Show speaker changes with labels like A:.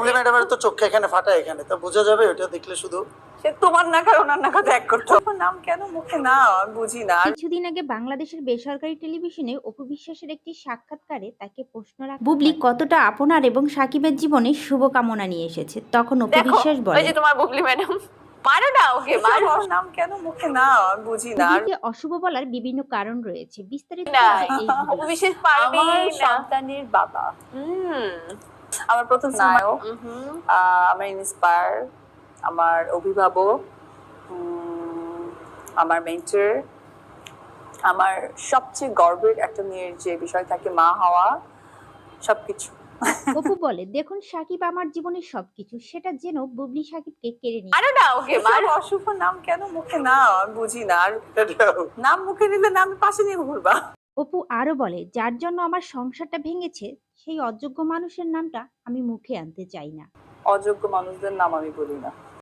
A: বুবলি ম্যাডামের তো চোখে এখানে ফাটা এখানে, তা বোঝা যাবে ওটা দেখলে শুধু।
B: সে তোমার নাক আর ওনার নাক এক করতে হবে। নাম কেন মুখে না আমি বুঝি না।
C: কিছুদিন আগে বাংলাদেশের বেসরকারি টেলিভিশনে অপু বিশ্বাসের একটি সাক্ষাৎকারে তাকে প্রশ্ন রাখা বুবলি কতটা আপনার এবং সাকিবের জীবনে শুভকামনা নিয়ে এসেছে, তখন অপু
D: দেখো
C: বিশ্বাস
D: ওই
C: বলে
D: যে তোমার বুবলি ম্যাডাম, মারো না ওকে, মারো
B: নাম কেন মুখে না আমি বুঝি না।
C: বুবলিকে অশুভ বলার বিভিন্ন কারণ রয়েছে, বিস্তারিত
D: না।
C: এই
D: অপু
C: ভিডিওতে।
D: বিশ্বাস পারবে
B: আমার
D: না।
B: সন্তানের বাবা,
D: হুম
B: আমার প্রথম নায়ক,
D: হুম
B: আমার ইন্সপায়ার, আমার অভিভাবক, আমার মেন্টর, আমার সবচেয়ে গর্বের একটা মেয়ের যে বিষয় থাকে মা হওয়া, সবকিছু।
C: অপু বলে, দেখুন সাকিব আমার জীবনের সবকিছু, সেটা যেন বুবলি সাকিবকে কেড়ে নিয়ে।
D: মারো না ওকে, মারো।
B: অশুভ নাম কেন মুখে না আমি বুঝি না। আর নাম মুখে নিলে না আমি পাশে নিয়ে ঘুরবা।
C: অপু আরো বলে, যার জন্য আমার সংসারটা ভেঙেছে সেই অযোগ্য মানুষের নামটা আমি মুখে আনতে চাই না।
B: অযোগ্য মানুষদের নাম আমি বলি না।